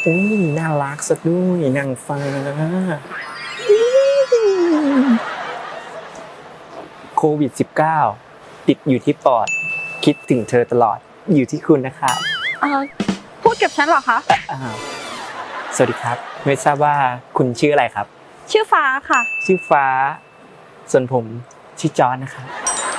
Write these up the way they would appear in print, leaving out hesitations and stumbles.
อุ้ยน่ารักซะด้วยนางฟ้าโควิด -19 ติดอยู่ที่ปอดคิดถึงเธอตลอดอยู่ที่คุณนะครับพูดกับฉันเหรอคะอ้าวสวัสดีครับไม่ทราบว่าคุณชื่ออะไรครับชื่อฟ้าค่ะชื่อฟ้าส่วนผมชื่อจอร์นนะครับ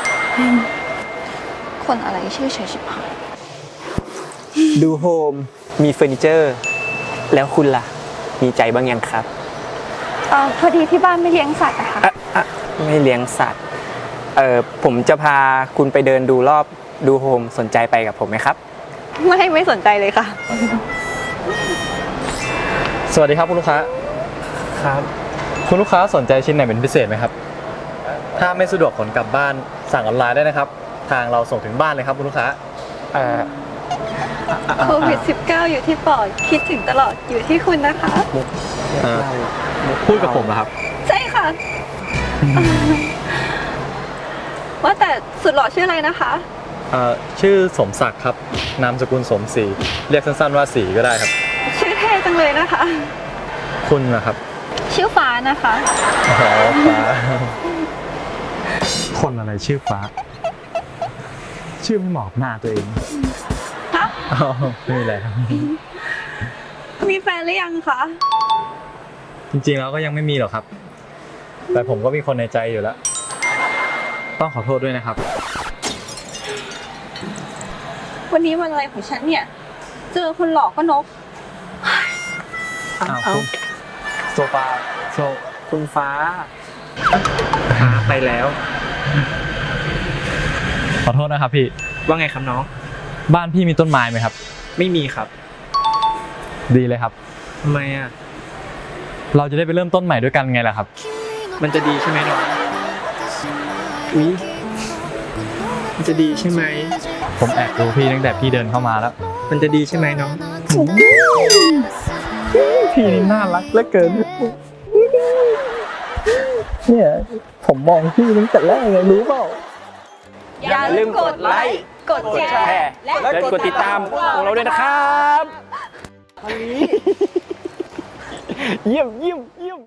คนอะไรชื่อเฉยชิบหายดูโฮมมีเฟอร์นิเจอร์ แล้วคุณล่ะ มีใจบ้างยังครับพอดีที่บ้านไม่เลี้ยงสัตว์อะค่ะไม่เลี้ยงสัตว์ผมจะพาคุณไปเดินดูรอบดูโฮมสนใจไปกับผมไหมครับไม่สนใจเลยค่ะสวัสดีครับคุณลูกค้าครับคุณลูกค้าสนใจชิ้นไหนเป็นพิเศษไหมครับ ถ้าไม่สะดวกขนกลับบ้านสั่งออนไลน์ได้นะครับ ทางเราส่งถึงบ้านเลยครับคุณลูกค้าโควิด -19 อยู่ที่ปอดคิดถึงตลอดอยู่ที่คุณนะคะพูดกับผมนะครับใช่ค่ะ ว่าแต่สุดหล่อชื่ออะไรนะคะชื่อสมศักดิ์ครับ นามสกุลสมศรี เรียกสั้นๆว่าศรีก็ได้ครับชื่อเท่จังเลยนะคะคุณนะครับชื่อฟ้านะคะอ๋อฟ้า คนอะไรชื่อฟ้า ชื่อไม่เหมาะกับหน้าตัวเองฮะอ๋อไม่มีอะไรครับมีแฟนหรือยังคะจริงๆแล้วก็ยังไม่มีหรอกครับ แต่ผมก็มีคนในใจอยู่แล้ว ต้องขอโทษด้วยนะครับวันนี้วันอะไรของฉันเนี่ย เจอคนหลอกก็นกอ้าวคุณโซฟาโซคุณฟ้าไปแล้วขอโทษนะครับพี่ว่าไงครับน้องบ้านพี่มีต้นไม้ไหมครับไม่มีครับดีเลยครับทำไมอ่ะเราจะได้ไปเริ่มต้นใหม่ด้วยกันไงล่ะครับมันจะดีใช่ไหมน้องอุ๊ยมันจะดีใช่ไหมผมแอบดูพี่ตั้งแต่พี่เดินเข้ามาแล้วมันจะดีใช่ไหมน้องพี่นี่น่ารักเหลือเกิน เนี่ยผมมองพี่ตั้งแต่แรกเลยรู้เปล่าอย่าลืมกดไลค์ กดแชร์และกดติดตามของเราด้วยนะครับ เยี่ยม